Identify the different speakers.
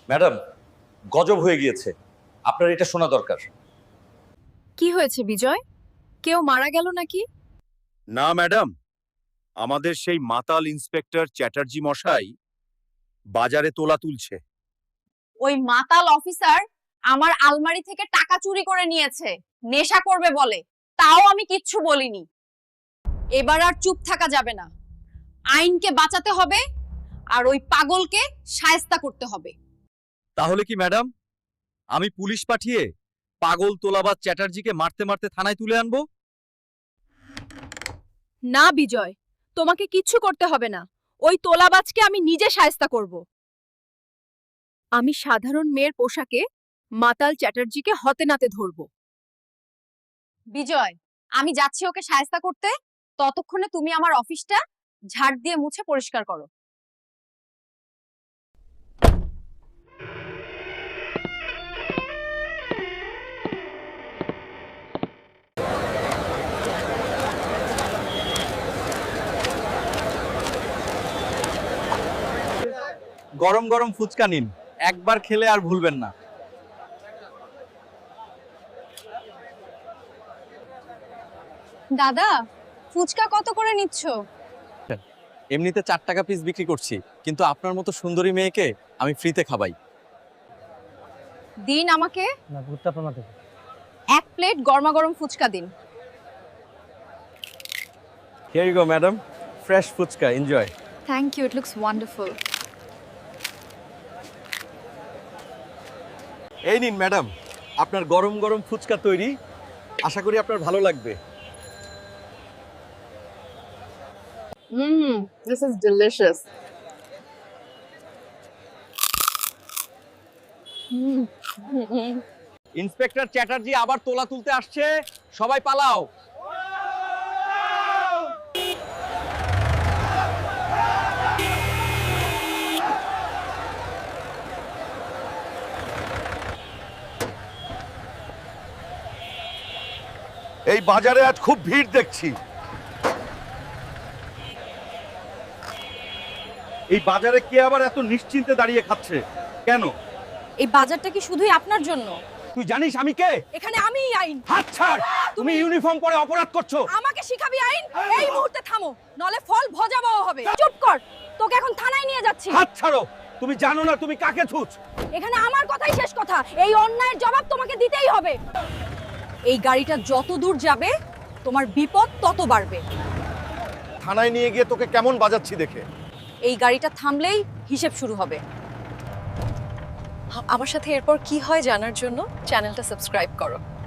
Speaker 1: Madam, গজব হয়ে গিয়েছে, আপনার এটা শোনা দরকার।
Speaker 2: কি হয়েছে বিজয়? কেউ মারা গেল নাকি?
Speaker 3: না ম্যাডাম, আমাদের সেই মাতাল ইন্সপেক্টর চ্যাটার্জি মশাই বাজারে তোলা তুলছে।
Speaker 4: ওই মাতাল অফিসার আমার আলমারি থেকে টাকা চুরি করে নিয়েছে, নেশা করবে বলে, তাও আমি কিচ্ছু বলিনি। এবার আর চুপ থাকা যাবে না, আইনকে বাঁচাতে হবে আর ওই পাগলকে শায়েস্তা করতে হবে।
Speaker 3: তাহলে কি ম্যাডাম আমি পুলিশ পাঠিয়ে পাগল তোলাবাজ চ্যাটার্জিকে মারতে মারতে থানায় তুলে আনবো?
Speaker 2: না বিজয়, তোমাকে কিচ্ছু করতে হবে না। ওই তোলাবাজকে আমি নিজে শায়েস্তা করব। আমি সাধারণ মেয়ের পোশাকে মাতাল চ্যাটার্জিকে হতে নাতে ধরব।
Speaker 4: বিজয়, আমি যাচ্ছি ওকে শায়েস্তা করতে, ততক্ষণে তুমি আমার অফিসটা ঝাড় দিয়ে মুছে পরিষ্কার করো।
Speaker 1: গরম গরম ফুচকা নিন, একবার খেলে আর ভুলবেন না।
Speaker 4: দাদা, ফুচকা কত করে নিচ্ছ?
Speaker 1: এমনিতে 4 টাকা পিস বিক্রি করছি, কিন্তু আপনার মতো সুন্দরী মেয়েকে আমি ফ্রিতে খাবাই।
Speaker 4: দিন আমাকে এক প্লেট গরমা গরম ফুচকা দিন।
Speaker 1: Here you go madam, fresh phuchka, enjoy.
Speaker 2: Thank you, it looks wonderful.
Speaker 1: এই নিন ম্যাডাম, আপনার গরম গরম ফুচকা তৈরি, আশা করি আপনার ভালো লাগবে।
Speaker 4: This is delicious.
Speaker 1: Inspector Chatterjee আবার তোলা তুলতে আসছে, সবাই পালাও।
Speaker 3: এই বাজারে আজ খুব ভিড় দেখছি।
Speaker 1: এই বাজারে কে আবার এত নিশ্চিন্তে দাঁড়িয়ে খাচ্ছে কেন?
Speaker 4: এই বাজারটা কি শুধুই আপনার জন্য?
Speaker 1: তুই জানিস আমি কে?
Speaker 2: এখানে আমিই আইন।
Speaker 1: হাত ছাড়, তুমি ইউনিফর্ম পরে অপরাধ করছো।
Speaker 2: আমাকে শিখাবি আইন? এই মুহূর্তে থামো, নলে ফল ভজাবহ হবে। চুপ কর, তোকে এখন থানায় নিয়ে যাচ্ছি।
Speaker 1: হাত ছাড়ো, তুমি জানো না তুমি কাকে ছুঁচ।
Speaker 2: এখানে আমার কথাই শেষ কথা, এই অন্যায়ের জবাব তোমাকে দিতেই হবে। এই গাড়িটা যত দূর যাবে তোমার বিপদ তত বাড়বে।
Speaker 3: থানায় নিয়ে গিয়ে তোকে কেমন বাজাচ্ছি দেখে।
Speaker 4: এই গাড়িটা থামলেই হিসেব শুরু হবে। আমার সাথে এরপর কি হয় জানার জন্য চ্যানেলটা সাবস্ক্রাইব করো।